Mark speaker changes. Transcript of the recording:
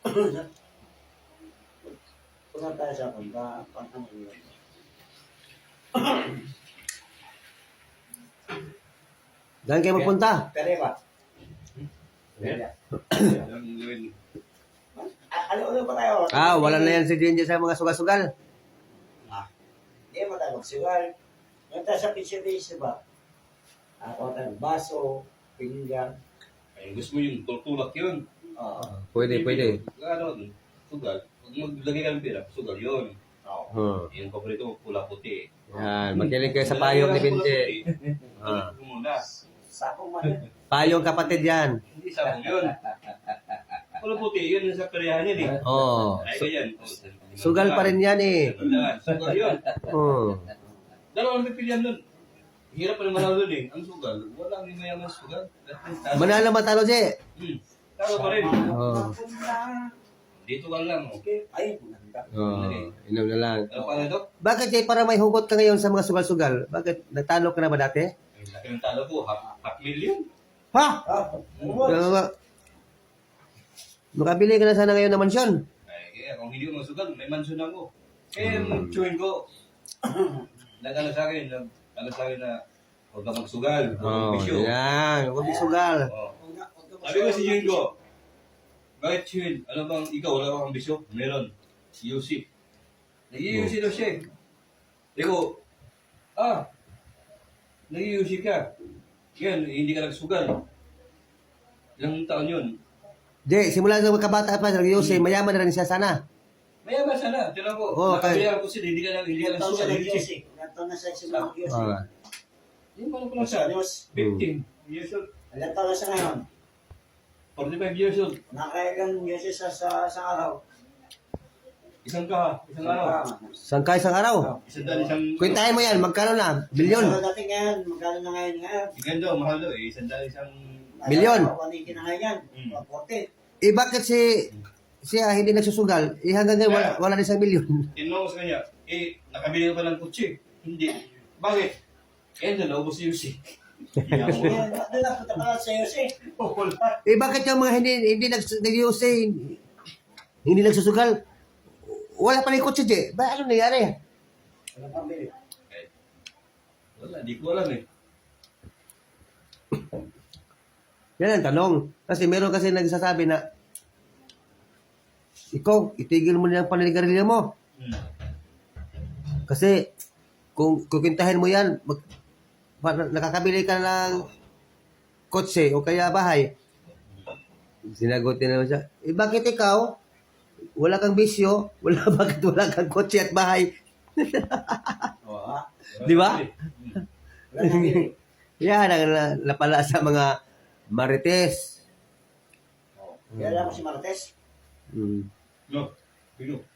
Speaker 1: Punta tayo sa punta. Pang-ano yun.
Speaker 2: Saan kayo magpunta?
Speaker 1: Pere ba? Ano ba tayo?
Speaker 2: Wala na yan si Jinja sa mga sugal-sugal.
Speaker 1: Hindi mo tayo magsugal. Ngayon tayo sa pizza ba? Ako tayo baso, pinggan.
Speaker 3: Ay, gusto mo yung tulak yun.
Speaker 2: Pwede.
Speaker 3: Ano, sugal. Pag maglagay ka ng pera, sugal yun. Yung paborito mo, pula puti.
Speaker 2: Yan, makinig kayo sa payong ni Binje.
Speaker 3: Muna.
Speaker 1: Sakong man.
Speaker 2: Payong kapatid yan.
Speaker 3: Hindi sabong yun. Pula puti, yun yung sa peryahan yun eh. Ay, ganyan.
Speaker 2: Sugal pa rin yan eh.
Speaker 3: Sugal yun. Dalawang pipilian nun. Hirap pa naman ako dun eh. Ang sugal, walang mayaman sugal.
Speaker 2: Manalo matalo, Je.
Speaker 3: Tama pa rin. Dito ka lang.
Speaker 1: Okay. Ay, maganda.
Speaker 2: Inom na lang.
Speaker 3: Ano pa na ito?
Speaker 2: Bakit, Je, para may hugot ka ngayon sa mga sugal-sugal? Bakit? Nagtalo ka na ba dati?
Speaker 3: Ay, laki ng talo ko. Half million.
Speaker 2: Ha?
Speaker 1: Ano ba?
Speaker 2: Makabili ka na sana ngayon ng mansyon.
Speaker 3: Ay, kaya kung hindi ko masugal, may mansion ako. Eh, chewin ko. Nag-ano sa akin na huwag ka magsugal. Huwag kang bisyo.
Speaker 2: Yan. Huwag isugal.
Speaker 3: Sabi ko si Chewin ko, bakit Chewin? Ano bang ikaw, wala kang bisyo? Meron. Si Yusip. Nag-i-Yusip daw siya eh. Eko, nag-i-Yusip ka. Yan, hindi ka nagsugal. Ilang taon yun?
Speaker 2: Je, simula sa magkabata pa, nag-iusay, mayaman na rin siya sana.
Speaker 3: Mayaman sana. Tinan ko, nakabilang ko sila, hindi ka nagsugal.
Speaker 1: Ilan na siya sa mga
Speaker 3: Yung paano ko lang siya? 15 years old.
Speaker 1: Ilan taon na siya ngayon?
Speaker 3: 45 years old.
Speaker 1: Nakailang years sa araw.
Speaker 3: Isang araw.
Speaker 2: Saan ka isang araw?
Speaker 3: Isang
Speaker 2: Kwentahin mo yan, magkano na? Bilyon?
Speaker 1: Ano dati ngayon? Magkano na ngayon?
Speaker 3: Ikan daw, mahal daw eh. Isang
Speaker 2: Milyon?
Speaker 1: Panikin na ngayon. 40.
Speaker 2: Bakit siya hindi nagsusugal? Hanggang ngayon, wala na isang milyon.
Speaker 3: tinanong ko sa kanya, nakabili ka pa ng kutsi? Hindi. Bakit? Naubos yung si.
Speaker 1: Doon na punta pala sa Yose.
Speaker 3: Wala.
Speaker 2: Bakit yung mga hindi nag-iusay, hindi nagsusugal? Wala pa rin kotse, Je. Ba, ano nangyari?
Speaker 1: Wala pang bili.
Speaker 3: Wala, di ko alam eh.
Speaker 2: Yan ang tanong. Kasi meron kasi nagsasabi na ikaw, itigil mo na yung paninigarilyo mo. Kasi kung kukintahin mo yan, nakakabili ka ng kotse o kaya bahay. Sinagutin naman siya, bakit ikaw? Wala kang bisyo, bakit wala kang kotse at bahay? Di ba? Yan ang napala sa mga marites.
Speaker 1: Kaya alam mo si Martes?
Speaker 3: No, Pino.